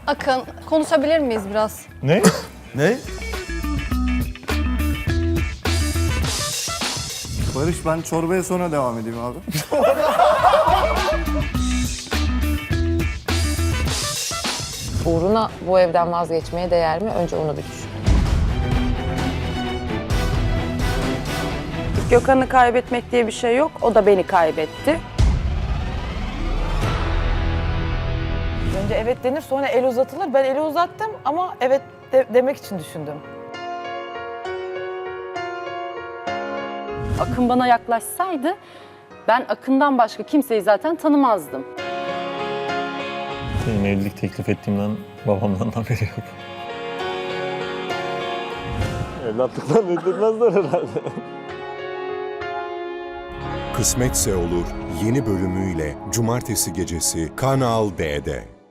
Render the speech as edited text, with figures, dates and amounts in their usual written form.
Akın, konuşabilir miyiz biraz? Ne? Ne? Barış, ben çorbaya sonra devam edeyim abi. Uğruna bu evden vazgeçmeye değer mi? Önce onu bir düşün. Gökhan'ı kaybetmek diye bir şey yok. O da beni kaybetti. Önce evet denir, sonra el uzatılır. Ben eli uzattım ama evet demek için düşündüm. Akın bana yaklaşsaydı ben Akın'dan başka kimseyi zaten tanımazdım. Benim evlilik teklif ettiğimden babamdan haberi yok. Evlatlıktan öldürmezler herhalde. Kısmetse Olur yeni bölümüyle Cumartesi gecesi Kanal D'de.